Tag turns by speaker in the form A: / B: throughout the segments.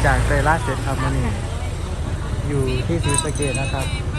A: จากเตยล่าเสร็จครับมานี่อยู่ที่ศรีสะเกษนะครับ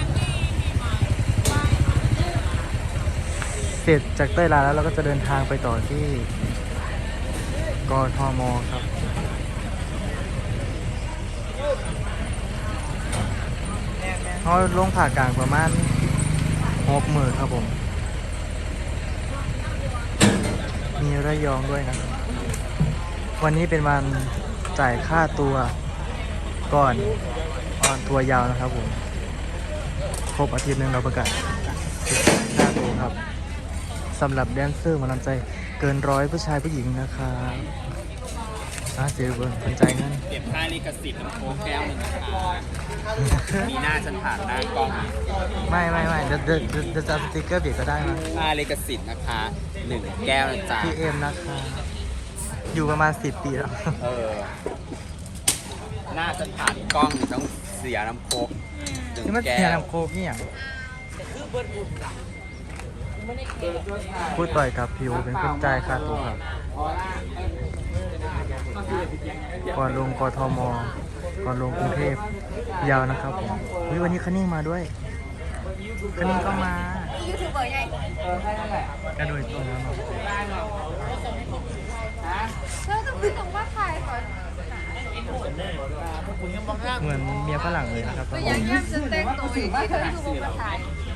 A: เสร็จจากเตยล่าแล้วเราก็จะเดินทางไปต่อที่กทมครับเขาลงผ่ากลางประมาณ60,000ครับผม มีระยองด้วยนะครับวันนี้เป็นวันจ่ายค่าตัวก่อนออนทัวร์ยาวนะครับผมครบอาทิตย์หนึ่งเราประกาศค่าตัวครับสำหรับแดนเซอร์หมาลำใจเกิน100ผู้ชายผู้หญิงนะครับเสียเบิร์นสนใจนั่น
B: เก็บค่าลิขสิทธิ์น้ำโค้กแก้วหนึ่งนะคะมีหน้าฉันผ่านหน้ากล้อง
A: ไม่เดี๋ยวจะสติ๊กเกอร์เบียดก็ได้นะ
B: ค่าลิขสิทธิ์นะคะ1 แก้วนะจ๊ะ
A: พี่เอ็มนะคะอยู่ประมาณ10 ปีแล้ว
B: หน้าฉันผ่านกล้องต้องเสียน้ำโค้ก
A: นี่มัน
B: 1 แก้
A: เสียว น้ำโคกนี่อย่างพูดต่อยกับพิวเป็นคนจ่ายค่าตัวครับก่อนลงกทมก่อนลงกรุงเทพยาวนะครับผมวันนี้คันนิ่งมาด้วยคันนิ่งก็มา
C: ยูทูบเบอร์ไง
A: กระโดดตัวแล้วเนาะ
C: แล้วต้องพูดถึงว่าใครก่อน
A: เหมือนเมียฝรั่งเลยนะครับ
C: ก็ยังย่ำจะแต่งตัวอย่างที่เธอยูทูบมาถ่าย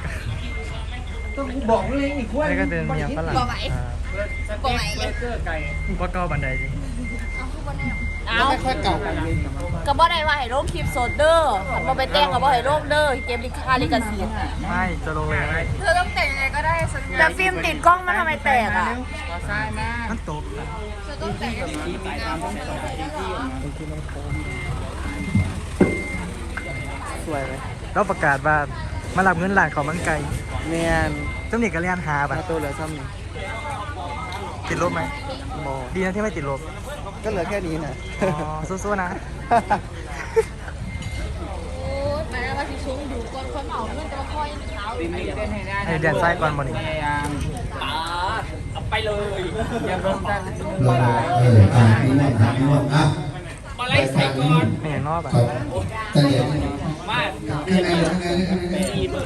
D: บอกเลยอีกว่า
A: นี่ก็เป็นเมียฝรั่ง
C: บอกไหมเลย
A: ว่าก้อบันไดจริง
C: เอา
D: ไม่ค่อยเก่ากันเลย
E: ก็บ่ได้ว่าให้โรคคลิปโซดเดอร์คันบ่ไปแต่งก็บ่ให้โรคเด้อเกมลิค่าลิขสิทธิ์
A: ไม่จะลงเลย
C: เธอต้องแต่งยังไงก็ได้สัญญา
E: แต่ฟิล์มติดกล้องมันทำไมแตกอ่ะ
D: ขอซ้ายมา
A: มันตก
C: เธอต้องแต่งยังไง
A: สวยไหมเราประกาศว่ามารับเงินหลานของมังไก่
D: เนียน
A: เจ้าหนี้ก็เรียนหาแบบ
D: ตัวเหลือซ้ำนี่
A: ติดลบไหม
D: โม
A: ดีนะที่ไม่ติดลบ
D: ก็เหลือแค่นี้นะ
A: อ๋อสู้ๆนะ
E: โอ้ยแม่ว่าสิสูงดูก่อนคนเอาเงินจะมาคอยเช้า
A: ให้แดนซ้ายก่อนบ่นี่
D: พยายาม
B: เอาไปเลย
D: อย่าลงกัน
F: ลงนี่มันทำนี่มันอ่ะ
B: มาไล่ใส่ก่อน
A: ไม่เห็นนอกอ่ะ
F: เขาตะเหลียบ
B: มา
F: ข้างในข้างในข้างใน
B: ตีเบอร์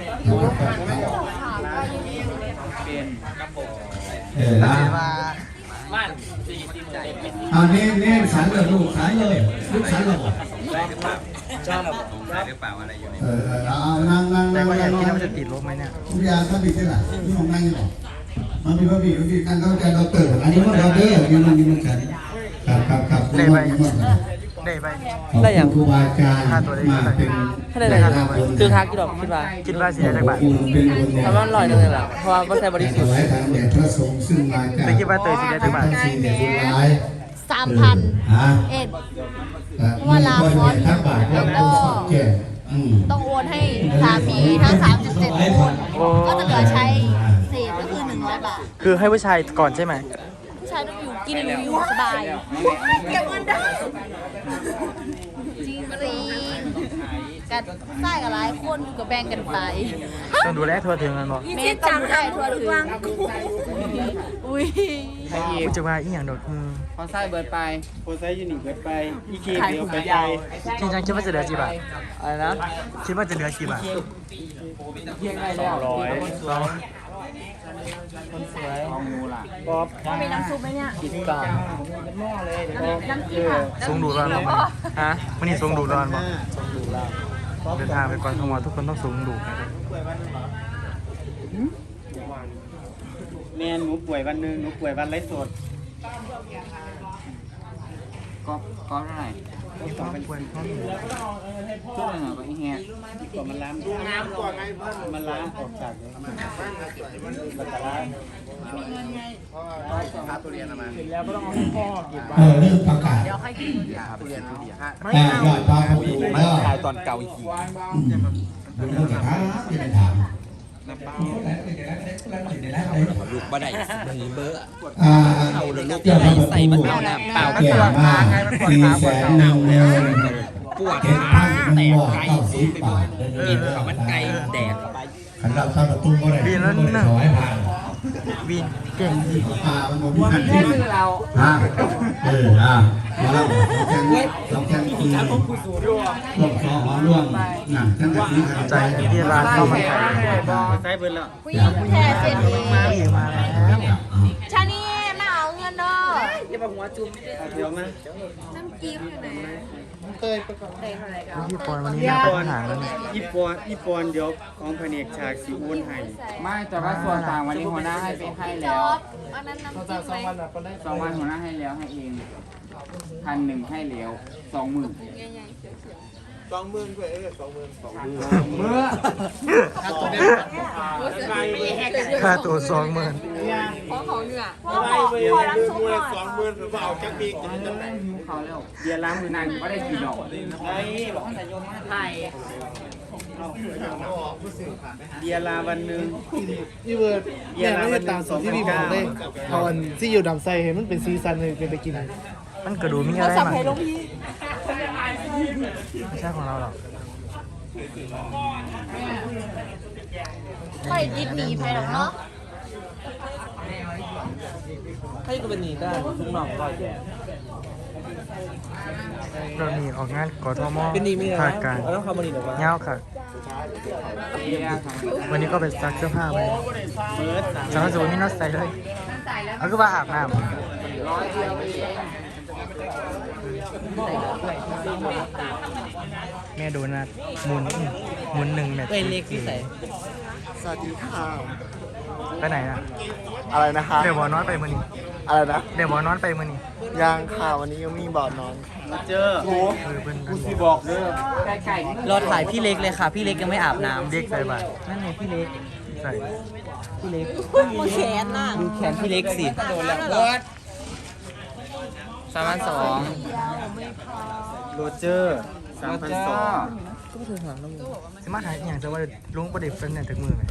D: เป็น
F: ละ
B: มา40 ใจ
F: เอาเน้นสันเลยลูกสันเลยลูกสันเลย
B: ชอบได้หรือเปล่าอะไรอยู่ใน
F: เอานั่ง
A: แต่ก็อยากคิดว่ามันจะติดลบไหมเนี่ย
F: ทุกอย่างถ้ามีที่ไหนที่ของนั่งอยู่หรอมันมีพระบีพระบีการเข้าใจเราเติร์อันนี้มันเราเด้อยังมันยังมันกันครับ
A: ได้ไป
F: ได้อย่างครูบาอาจารย์มาเป็น
D: คือทักกี่ดอกคิดว่า
A: คิดว่าสิได้จักบาท
F: เป็นบุญ
D: ทำว่าอร่อยจังเลยล่ะเพราะว่าก็ใช้บริสุท
F: ถ
D: ธิ์
F: วายทางแด่พระสงฆ์ซึ่งมาจาก
A: แต่คิดว่าเตยสิได้จักบาท
F: สิ่งเดียวร้าย
E: 3,000
F: ฮะ
E: เอ็ด
F: ว่าลาฟอนทั้งบาทแล้วก็แก่อืม
E: ต้องโอนให้สามีทั้ง3.7คนก็จะเหลือใช้เศษก็คือ100 บาท
A: คือให้ผู้ชายก่อนใช่ไหม
E: ผู้ชายต้องอยู่กินอยู่สบาย
C: เก็บเงินได้
E: จริงกันใส่กับหลายคนก็แบ่งกันไป
A: ต้องดูแลทั่วถึงกันบอก
E: เมย์ต้องได้ทั่วถึงอุ้ย
D: ใครอีก
A: กูจะว่าอีหยังดอก
D: พอซ้ายเบิร์ดไปพอซ้ายยูนิคเบิร์ดไปอีเค
E: ขาย
D: เดียว
E: ถุง
D: ไป
E: ยาว
A: จริงจังคิดว่าจะเหลือกี่บาท
D: อะไรนะ
A: คิดว่าจะเหลือกี่บาท
D: เพียงไงแล้วคนสวยของงูล่ะป๊อป
E: มีน้ำซุปไหมเนี่ย
D: กินก่อนหม้อเลย
E: น้ำจิ้มอ่ะ
A: สูงดูร้อนบอก
D: ฮะ
A: วันนี้สูงดูร้อนบอก
D: ดูแล้ว
A: เดินทางไปกรทมทุกคนต้องสูงดูนะครับ
D: แม่หนูป่วยวันหนึงหนูป่วยวันไรสดก็เท่าไหร่
A: นี่ต้องเป็นควรต้อง
D: ชุดหนึ่งก็อีแฮะก่อนมันล้างน้ำก่อนไงมันล้างออกจากมันล้างแล้วก็ต้องเอาให้พ่อเก็บไว้
F: เรื่องประกาศ
E: เดี๋ยวค่อยกิน
F: ยอดพาผู้หญิงก็
B: ถ่ายตอนเก่าอีกที
F: ดูเรื่องถามเป็นถาม
B: ลูกบ่ได้เบอร์
F: เจ้าพระประตู
B: เปล่า
F: แก่มาก400,000
B: ปวด
F: เห็น
B: ขา
F: ท่าน
B: แต
F: มัน
B: ก
F: ว่า
B: ไก่
F: 90 บาท
B: กินข้าวมันไก่แดก
F: ขันเราเข้าประตูก็ได้ถวายผ่าน
A: วินเก่งดี
F: มันบอกมีกันที่มันเรามาแล้วเราแข่งคือร่วมคอหอร่วมหนังทั้งแบบนี้ครับ
A: ใจที่ร้านข้าวมันไก่
D: ใช้เบิร์นแล้ว
E: ผู้หญิงแท้เจนนี่
A: มาแล้ว
E: ชานี่มาเอาเงินเด้อ
D: เดี๋ยวมา
C: น้ำจิ้มอยู่ไหน
A: พี่ปอนวันนี้อยากไปหาแล้วเนี่ย
D: ญี่ปุ่นเดี๋ยวของแผนกฉากสีอ้วนให้
B: ไม่แต่ว่าส่วนต่างวันนี้หัวหน้าให้ไปให้
C: จ
B: แล้ว
C: อดอันนั้นน้ำจิ้มไหม
B: 2 วันหัวหน้าให้แล้วให้เอง1,100ให้แล้ว20,000
C: ใหญ่ๆเขียว
B: เมื่อ
A: ค่าตัว20,000
C: ๆของเขาเหนือ
E: พ่อขอรับซุปหน่อย
B: หิวเขาแล้วเบียร์ล้างมือนานก็ได้กี่ดอกไอ้บอกให้โยมมาไทย
D: เบียร์ลาวันหนึ่ง
G: พี่เบิร์ดเนี่ยไม่ได้ตามสูตรที่พี่บอกเลยเอาอันที่อยู่ดำไซเห็นมันเป็นซีซันเลยเป็นไปกิน
A: มันกระดูมีอะไรมาไม่ใช่ของเราหรอก
E: ไปดิบหนีไปหรอกเนาะ
G: ให้ก็เป็นหนีได้ทุกหน่องก็แย่
A: เราหนีออกงานกทม
G: เป็นหนีไม่ได้
A: ภาคกลาง
G: เราต้องเข้ามาหนีหรอวะ
A: เงาค่ะ วันนี้ก็ไปซักเสื้อผ้าไปสำหรับสูตรนี่น่าใส่เลยเอาก็ว่าอาบน้ำแม่โดนัทหมุน1 แมตช์
G: เป็นเล็กที่ใส่
H: สวัสดีค่ะ
A: ไปไหนอ่ะ
H: อะไรนะคะ
A: เดี๋ยวบอนอนไปมือนี้
H: อะไรนะ
A: เดี๋ยวบอนอนไปมือนี้
H: ยังค่ะวันนี้ยังมีบ่อนอน
D: เจอ
A: เพิ่น
D: กูสิบอกเด้อ
B: ไก่นี่
G: รอถ่ายพี่เล็กเลยค่ะ พี่เล็กยังไม่อาบน้ำ
A: เด็กใส่บาตร
G: นั่นไงพี่เล็ก
A: ใส่
G: พี่เล็ก
E: มือแขนน่ะ
G: ดูแขนพี่เล็กสิโดนแล้วเบิร์ด3,200
D: โรเจอร์3,200
A: สมาหาอย่างจะว่าลุงประเด็บเป็นเนี่ยจากมือไหม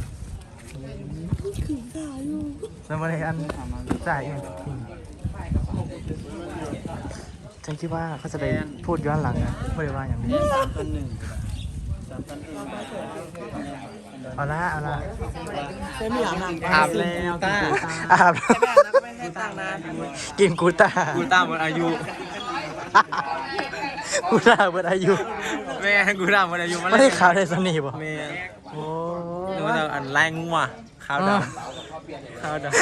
A: แล้วมาเลยอันจ่ายเองทิ้งฉันคิดว่าเขาจะไปพูดย้อนหลังนะไม่ได้ว่าอย่างนี้เอาละ
G: ไม่อาบน้ำ
A: อาบแล้วตาอาบกินกูตา
B: กูตามหมดอายุ
A: กูตาเบิดอายุ
B: แม่กูตามหมดอายุ
A: ไม่ได้ข่าวได้สนิทป่ะ
B: แม่
A: โอ้
B: หนูจะอันไล่งัวข้าวดำข้าวดำ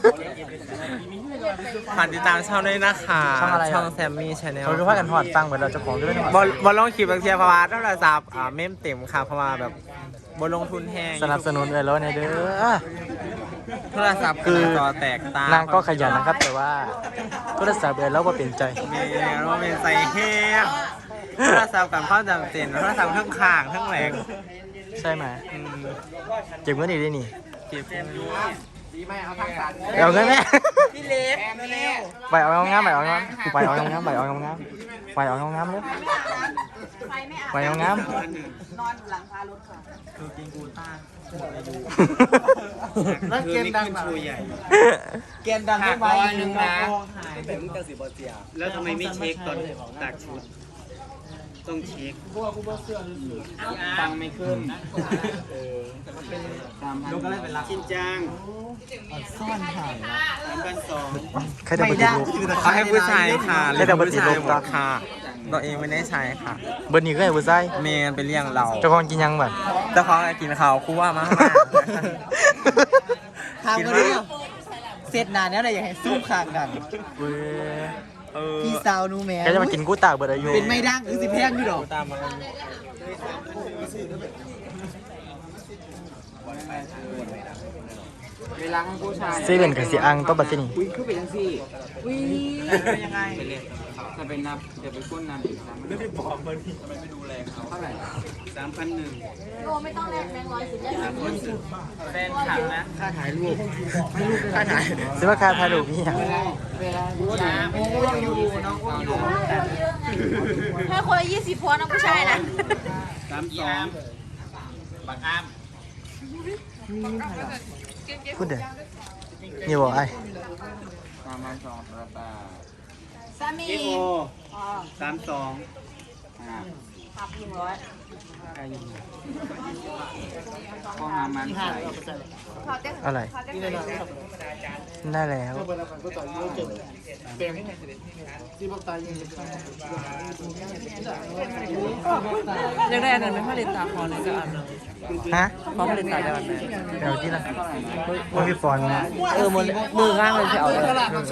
B: ผ่านติดตามช่องด้วยนะคะช่องแซมมี่ชาแนล
A: เขาก็พากันหอดตังค์เหมือนเราจะของด้วยนะ
B: บอลลงคลิปบางทีเพราะว่าโทรศัพท์เมมเต็มค่ะเพราะว่าแบบบอลลงทุนแห้ง
A: สนับสนุนเลยแล้วเนี่ยเด้อ
B: โทรศัพท์
A: คือ
B: จอแตกตาน
A: างก็ขยันนะครับ แต่ว่าโทรศัพท์เลยแล้วว่าเปลี่ยนใจ
B: แม่ว่าเป็นใส่แห้งโทรศัพท์กับข้าวจำเป็นโทรศัพท์เครื่องข้างเครื่องแรง
A: ใช่ไหมเก็บเงินอีกได้นี่
B: เก็บ
A: เอาเงินแม่
G: พี่เล็กเร็ว
A: ไปเอางามไปเอางามไปเอางามไปเอางามไปเอางามเลยไปเอางาม
D: แล้วเกมดังชูใหญ่
G: เกณฑ์ดังไม่ไหว
B: หนึ่งนะ
D: แล้วทำไมไม่เช็คตอนตักชุด ต้องเช็ค
B: ฟังไม่ขึ้น
D: ลูกก็เลยเป็นรักชินจัง
G: ซ่อนถ่าย
D: 3,200
A: ใครจะไปติดลูก
B: เขาให้ผู้ชายค่ะ
A: ให้แต่ปฏิรูป
B: หมดค่ะตัวเองไม่ได้ใช้ค่ะ
A: เบิร์นี่ก็ให้ผู้ชาย
B: เมนเป็นเรื่องเรา
A: เจ้าของกินยังแบบ
B: แต่เขากินข้าวคู่ว่ามาก
G: ทำกันดิเสร็จนานแล้วเลยอยากให้สู้ขางกัน
A: เว้ย
G: พี่สาวนูแม่
A: แกจะมากินกู้ตากเบิร์ดอายุ
G: เป็นไม่ดังหรือสิแพงอยู่ดอก
B: ตามมาเวลาให้ผู้ชาย
A: เซเว่นกับสีอังต้องบัตรนี่
B: คือเป็นยังสี่เป็นยังไงไปเล่นจะเป็นนับจะไปก้นนับอีกนะไม่ได้บอกมันทำไมไม่ดูแลเขาเท่าไหร่
D: 3,100
E: โลไม่ต้องแลกแบงค์100สิแลกแบงค์20
B: แฟนคลับนะ
D: ค่าถ่ายรูป
A: ค่าถ่ายซื้อมาค่าถ่ายรูปพี่อะ
E: ให้คนละ20พวนะผู้ชายนะ
D: 32
B: บักอ้าม
A: พูดเดี๋ยวนี่บอกไอ้
B: ตามมาสองประตา
E: สามี
D: เอโอ32
E: ขับ100
B: พออหามันใส่
A: อะไร ได้แล้ว
G: เปิดแล้วก็ต่อยเจอเปลี่ยนที่บอกตายยัง
I: ยังได้อันนั้นไหมผลิตตาคอเลยจะอ่าน
A: ฮะ
I: พอผลิตตาได้อันไหน
A: เดี๋ยวที่ละว่าพี่ฟอนนะ
I: มือข้างเลยจะเอาเลย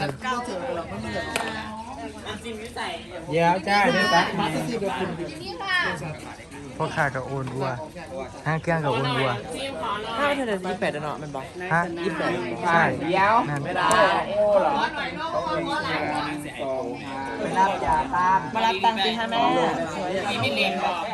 D: เดี๋ยวจ้าเดี๋ยวตักมา
E: นี่ค่ะ
A: พ่อข้ากับโอนวัวห้างเครื่องกับโอนวัว
I: ถ้าเธอเดือน28เนาะมันบอก
A: ฮะ
I: 28
A: ใช่
B: เดี๋ยว
A: นั่น
B: ไม่ได้โอ้เหรอไปรับยาตาม
I: มารับตังค์สิคะแม่
B: ไม่เลี้ยงหรอก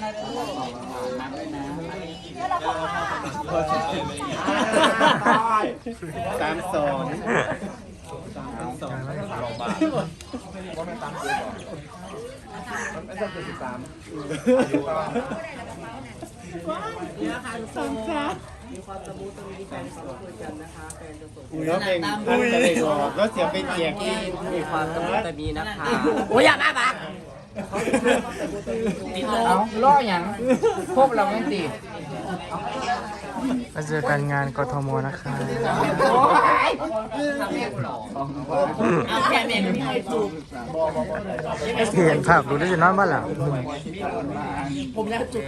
D: แล้วเพลงพันกระเด็กหลอกแล้วเสียเป็นเกียร์ที่
I: มีความตะมุตะมีนะคะ
B: โอ้ยอย่ามาบักเอาล่ออย่างพวกเราไม่ติด
A: มาเจอกันงานกทมนะคะ
I: เอาแค่เมนไม่ให้ถูก
A: เห็นภาพรู้ได้จะนอนบ้านหลัง
I: ผมแล้วจุก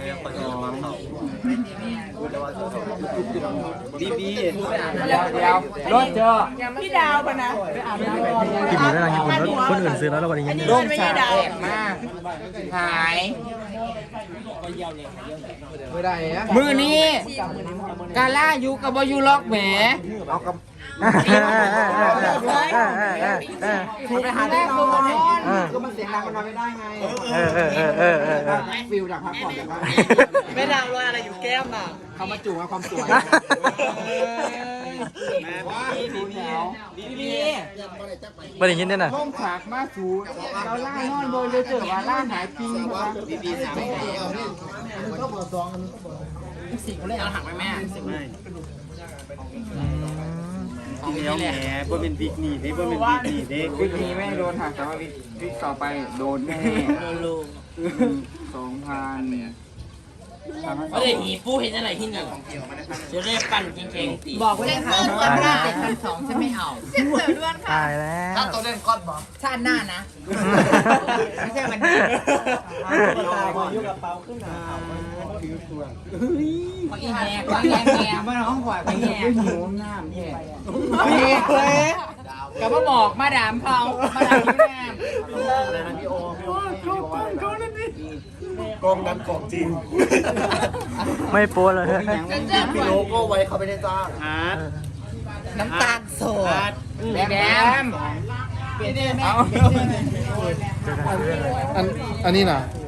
D: ดี
B: เดี๋ยวรถเจอ
I: พี่ดาวปะนะ
A: กินอยู่แล้วนะญี่ปุ่นรถคนอื่นซื้อแล้วเราก็ได้ยิน
B: ร่มฉากแตกมากหายมือนี้กาล่าอยู่กับบอยูล็อกแหมถูกไปหาแรกตัวนี้ก็มันเสียงดังมันนอนไม่ได้ไงฟิลจากพักผ่อนจากบ้าน
I: แม่ดาวรอยอะไรอยู่แก้มอ่ะ
B: เขามาจู่มาความสวย
A: ไม่ได้ยินเนี่ยนะ
B: ร่มฉากมาสู่เราล่านอนโดยเลยเจอว่าล่าหายจริงครับดีๆสามสิ่งคนเล่นเอาถังไปแม่
D: เดี๋ยวแหมบ่เป็นบิ๊กนี่เด้บ่เป็นบิ๊กนี่เด้
B: วิกนี้ไม่โดนหักแต่ว่าวิกต่อไปโดนแน่2,000
I: ไม่ได้หีปูเห็นอะไรที่นี่จะได้ปั่นเก่งๆตี
E: บอกไว้เลยค่ะ
A: ตายแล้ว
E: 7,200ฉันไม่เอาเส้นเสือด้วนค่ะ
A: ตายแล้ว
E: ชาติหน้านะ ไม่ใช่วันนี้
B: อีแหกว่าแง่แง่มาน้องขวายไปแง่หิวน้ำแย่กับมาบอกมาดามเผามาดามยิ้มแย้ม
D: กองนั้นของจริง
A: ไม่โป๊เลย
H: มีโลโก้ไว้เขาไม่ได้จ้าง
D: อาร์ต
E: น้ำตาลโสด
B: แดม
A: เจอกันเรื่อยเลย
G: อันนี้นะ
A: เ